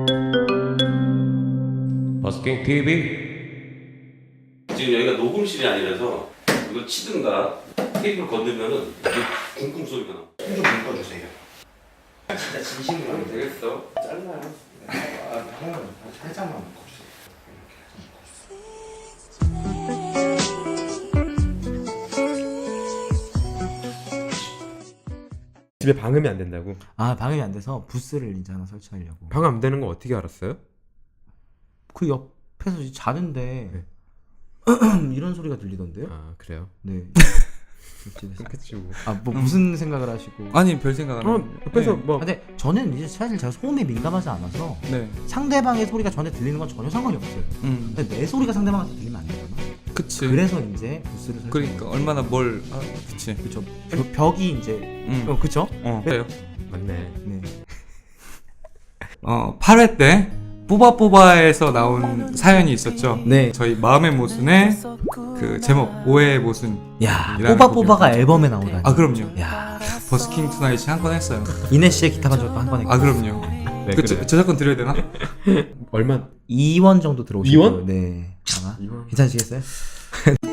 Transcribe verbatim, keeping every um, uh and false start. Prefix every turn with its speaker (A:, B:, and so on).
A: 버스킹 티비.
B: 지금 여기가 녹음실이 아니라서 이걸 치든가 테이프를 건들면은 이게 쿵쿵 소리가 나.
C: 손 좀 묶어주세요. 진짜 진심으로
B: 하면
C: 하면 돼.
B: 되겠어.
C: 잘라요. 아, 하나만 살짝만 묶어주세요.
A: 집에 방음이 안 된다고?
D: 아 방음이 안 돼서 부스를 이제 하나 설치하려고.
A: 방음 안 되는 거 어떻게 알았어요?
D: 그 옆에서 이제 자는데
A: 네.
D: 이런 소리가 들리던데요?
A: 아 그래요?
D: 네. 옆집에서.
A: 그치 뭐.
D: 아뭐 무슨 생각을 하시고?
E: 아니 별 생각 안
A: 어
E: 해요.
A: 옆에서
E: 네.
A: 뭐
D: 근데 저는 이제 사실 제가 소음에 민감하지 않아서
E: 네.
D: 상대방의 소리가 저한테 들리는 건 전혀 상관이 없어요.
E: 음.
D: 근데 내 소리가 상대방한테 들리면 안 되잖아.
E: 그치.
D: 그래서 이제 부스를 설치.
E: 그러니까 얼마나 뭘 아, 그치.
D: 그쵸. 그 벽이 이제
E: 음.
D: 어 그쵸?
E: 어. 그래요.
A: 맞네.
D: 네.
E: 어, 팔 회 때 뽀바뽀바에서 나온 사연이 있었죠.
D: 네.
E: 저희 마음의 모순의 그 제목 오해의 모순.
D: 야
E: 이라는
D: 뽀바뽀바가
E: 곡이었죠.
D: 앨범에 나오다니.
E: 아 그럼요.
D: 야
E: 버스킹 투나잇이 한 건 했어요.
D: 이내 씨의 기타 반주도 한 번에.
E: 아 그럼요.
A: 네,
E: 그
A: 그래.
E: 저, 저작권 드려야 되나?
A: 얼마?
D: 이 원 정도 들어오시고.
A: 이 원?
D: 네. 아마
A: 이 원?
D: 괜찮으시겠어요?